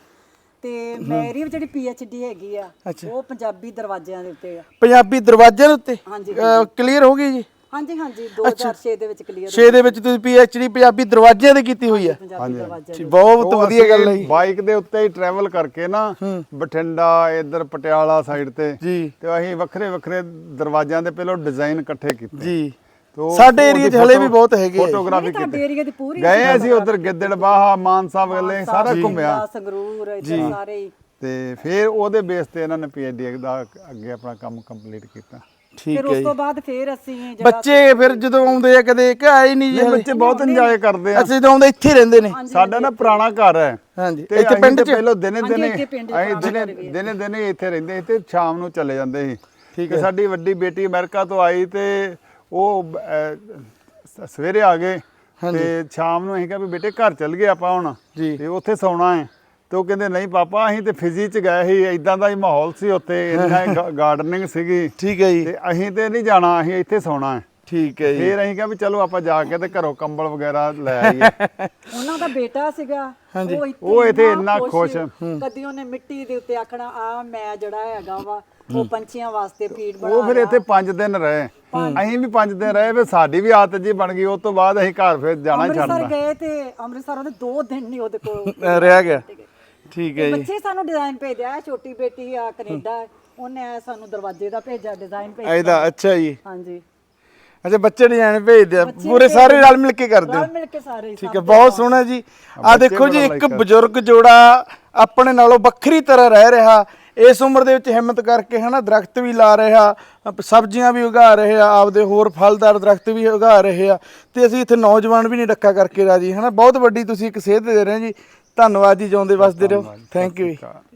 C: ਤੇ ਮੇਰੀ ਵੀ ਜਿਹੜੀ PhD ਹੈਗੀ ਆ, ਉਹ ਪੰਜਾਬੀ ਦਰਵਾਜ਼ਿਆਂ ਦੇ ਉੱਤੇ ਆ।
A: ਪੰਜਾਬੀ ਦਰਵਾਜ਼ਿਆਂ ਦੇ ਉੱਤੇ?
C: ਹਾਂਜੀ
A: ਕਲੀਅਰ ਹੋ ਗਈ ਜੀ?
C: ਹਾਂਜੀ ਹਾਂਜੀ, 2006 ਦੇ ਵਿੱਚ ਕਲੀਅਰ
A: 6 ਦੇ ਵਿੱਚ ਤੁਸੀਂ PhD ਪੰਜਾਬੀ ਦਰਵਾਜ਼ਿਆਂ ਦੇ ਕੀਤੀ ਹੋਈ ਹੈ?
C: ਪੰਜਾਬੀ ਦਰਵਾਜ਼ਿਆਂ
A: ਜੀ, ਬਹੁਤ ਵਧੀਆ ਗੱਲ ਹੈ ਜੀ।
B: ਬਾਈਕ ਦੇ ਉੱਤੇ ਹੀ ਟਰੈਵਲ ਕਰਕੇ ਨਾ ਬਠਿੰਡਾ ਇੱਧਰ ਪਟਿਆਲਾ ਸਾਈਡ ਤੇ
A: ਜੀ
B: ਤੇ ਅਸੀਂ ਵੱਖਰੇ ਵੱਖਰੇ ਦਰਵਾਜ਼ਿਆਂ ਦੇ ਪਹਿਲਾਂ ਡਿਜ਼ਾਈਨ ਇਕੱਠੇ ਕੀਤੇ।
A: ਜੀ। ਸਾਡੇ ਏਰੀਆ 'ਚ ਹਲੇ ਵੀ ਬਹੁਤ ਹੈਗੇ ਆ।
B: ਫੋਟੋਗ੍ਰਾਫੀ
C: ਤੁਹਾਡੇ ਏਰੀਆ ਦੀ ਪੂਰੀ
B: ਗਏ ਅਸੀਂ ਉਧਰ ਗਿੱਦੜਬਾਹਾ, ਮਾਨਸਾ ਵਗਲੇ ਸਾਰਾ ਘੁੰਮਿਆ।
C: ਸੰਗਰੂਰ ਇੱਧਰ ਸਾਰੇ ਹੀ।
B: ਤੇ ਫਿਰ ਉਹਦੇ ਬੇਸ ਤੇ ਇਹਨਾਂ ਨੇ PhD ਦਾ ਅੱਗੇ ਆਪਣਾ ਕੰਮ ਕੰਪਲੀਟ ਕੀਤਾ।
A: ਠੀਕ
C: ਫਿਰ
A: ਹੈ
C: ਉਸ
A: ਜੀ।
C: ਤੋਂ ਬਾਅਦ ਫਿਰ ਅਸੀਂ ਜਿਹੜਾ
A: ਬੱਚੇ ਫਿਰ ਜਦੋਂ ਆਉਂਦੇ ਆ ਕਦੇ ਕਿ ਆਏ ਨਹੀਂ ਜੀ?
B: ਬੱਚੇ ਬਹੁਤ ਇੰਜੋਏ ਕਰਦੇ ਆ।
A: ਅੱਛਾ, ਜਦੋਂ ਆਉਂਦੇ ਇੱਥੇ ਰਹਿੰਦੇ ਨੇ?
B: ਸਾਡਾ ਨਾ ਪੁਰਾਣਾ ਘਰ ਹੈ।
A: ਹਾਂਜੀ।
B: ਤੇ
A: ਇੱਥੇ ਪਿੰਡ 'ਚ?
B: ਪਹਿਲਾਂ ਦਿਨੇ ਦਿਨੇ
C: ਇੱਥੇ ਪਿੰਡ 'ਚ
B: ਅਸੀਂ ਦਿਨੇ ਇੱਥੇ ਰਹਿੰਦੇ ਸੀ ਤੇ ਸ਼ਾਮ ਨੂੰ ਚਲੇ ਜਾਂਦੇ ਸੀ। ਤੇ ਸਾਡੀ ਵੱਡੀ ਬੇਟੀ ਅਮਰੀਕਾ ਤੋਂ ਆਈ ਤੇ ਉਹ ਸਵੇਰੇ ਆ ਗਏ ਤੇ ਸ਼ਾਮ ਨੂੰ ਅਸੀਂ ਕਿਹਾ ਵੀ ਬੇਟੇ ਘਰ ਚੱਲ ਗਏ ਆਪਾਂ ਹੁਣ ਤੇ ਉੱਥੇ ਸੌਣਾ ਹੈ। ਤੇ ਉਹ ਕਹਿੰਦੇ ਨਹੀਂ ਪਾਪਾ, ਅਸੀਂ ਤੇ ਫਿਜ਼ੀ 'ਚ ਗਏ ਸੀ, ਇਦਾਂ ਦਾ ਹੀ ਮਾਹੌਲ ਸੀ ਉੱਥੇ, ਇੰਨਾ ਗਾਰਡਨਿੰਗ ਸੀਗੀ।
A: ਠੀਕ ਹੈ ਜੀ।
B: ਤੇ ਅਸੀਂ ਤੇ ਨਹੀਂ ਜਾਣਾ, ਅਸੀਂ ਇੱਥੇ ਸੌਣਾ ਹੈ।
A: ਠੀਕ ਹੈ ਜੀ।
B: ਫਿਰ ਅਸੀਂ ਕਿਹਾ ਵੀ ਚਲੋ ਆਪਾਂ ਜਾ ਕੇ ਤੇ ਘਰੋਂ ਕੰਬਲ ਵਗੈਰਾ ਲੈ ਆਈਏ।
C: ਉਹਨਾਂ ਦਾ ਬੇਟਾ ਸੀਗਾ,
B: ਉਹ ਇੱਥੇ ਇੰਨਾ ਖੁਸ਼।
C: ਕਦੀ ਉਹਨੇ ਮਿੱਟੀ ਦੇ ਉੱਤੇ ਆਖਣਾ ਆ ਮੈਂ ਜਿਹੜਾ ਹੈਗਾ ਵਾ ਉਹ ਪੰਛੀਆਂ ਵਾਸਤੇ ਫੀਡ ਬਣਾ
B: ਉਹ ਫਿਰ ਇੱਥੇ 5 ਦਿਨ ਰਹੇ। ਅਸੀਂ ਵੀ 5 ਦਿਨ ਰਹੇ, ਫਿਰ ਸਾਡੀ ਵੀ ਆਦਤ ਜੀ ਬਣ ਗਈ। ਉਸ ਤੋਂ ਬਾਅਦ ਅਸੀਂ ਘਰ ਫਿਰ ਜਾਣਾ ਹੀ
C: ਅੰਮ੍ਰਿਤਸਰ
B: ਛੱਡਦਾ।
C: ਗਏ ਤੇ ਅੰਮ੍ਰਿਤਸਰ ਉਹਨੇ 2 ਦਿਨ ਨਹੀਂ ਉਹਦੇ ਕੋਲ
A: ਰਹਿ ਗਿਆ। ਠੀਕ ਹੈ ਜੀ।
C: ਬੱਚੇ ਸਾਨੂੰ ਡਿਜ਼ਾਈਨ ਭੇਜਿਆ। ਛੋਟੀ ਬੇਟੀ ਆ ਕੈਨੇਡਾ, ਉਹਨੇ ਸਾਨੂੰ ਦਰਵਾਜ਼ੇ ਦਾ ਭੇਜਿਆ, ਡਿਜ਼ਾਈਨ ਭੇਜਿਆ।
A: ਇਹਦਾ ਅੱਛਾ ਜੀ।
C: ਹਾਂਜੀ।
A: ਅੱਛਾ, ਬੱਚੇ ਡਿਜ਼ਾਈਨ ਭੇਜਦੇ ਆ, ਪੂਰੇ ਸਾਰੇ ਰਲ ਮਿਲ ਕੇ ਕਰਦੇ ਹੋ?
C: ਰਲ ਮਿਲ ਕੇ ਸਾਰੇ।
A: ਠੀਕ ਹੈ, ਬਹੁਤ ਸੋਹਣਾ ਜੀ। ਆ ਦੇਖੋ ਜੀ, ਇੱਕ ਬਜ਼ੁਰਗ ਜੋੜਾ ਆਪਣੇ ਨਾਲੋਂ ਵੱਖਰੀ ਤਰ੍ਹਾਂ ਰਹਿ ਰਿਹਾ, ਇਸ ਉਮਰ ਦੇ ਵਿੱਚ ਹਿੰਮਤ ਕਰਕੇ ਹਨਾ, ਦਰਖਤ ਵੀ ਲਾ ਰਿਹਾ, ਸਬਜ਼ੀਆਂ ਵੀ ਉਗਾ ਰਹੇ ਆ, ਆਪਦੇ ਹੋਰ ਫਲਦਾਰ ਦਰਖਤ ਵੀ ਉਗਾ ਰਹੇ ਆ। ਤੇ ਅਸੀਂ ਇੱਥੇ ਨੌਜਵਾਨ ਵੀ ਨਹੀਂ ਰੱਖਾ ਕਰਕੇ ਰਾਜੀ ਹਨਾ। ਬਹੁਤ ਵੱਡੀ ਤੁਸੀਂ ਇੱਕ ਸੇਧ ਦੇ ਰਹੇ ਜੀ। ਧੰਨਵਾਦ ਜੀ, ਜਿਉਂਦੇ ਵਸਦੇ ਰਹੋ। ਥੈਂਕ ਯੂ ਜੀ।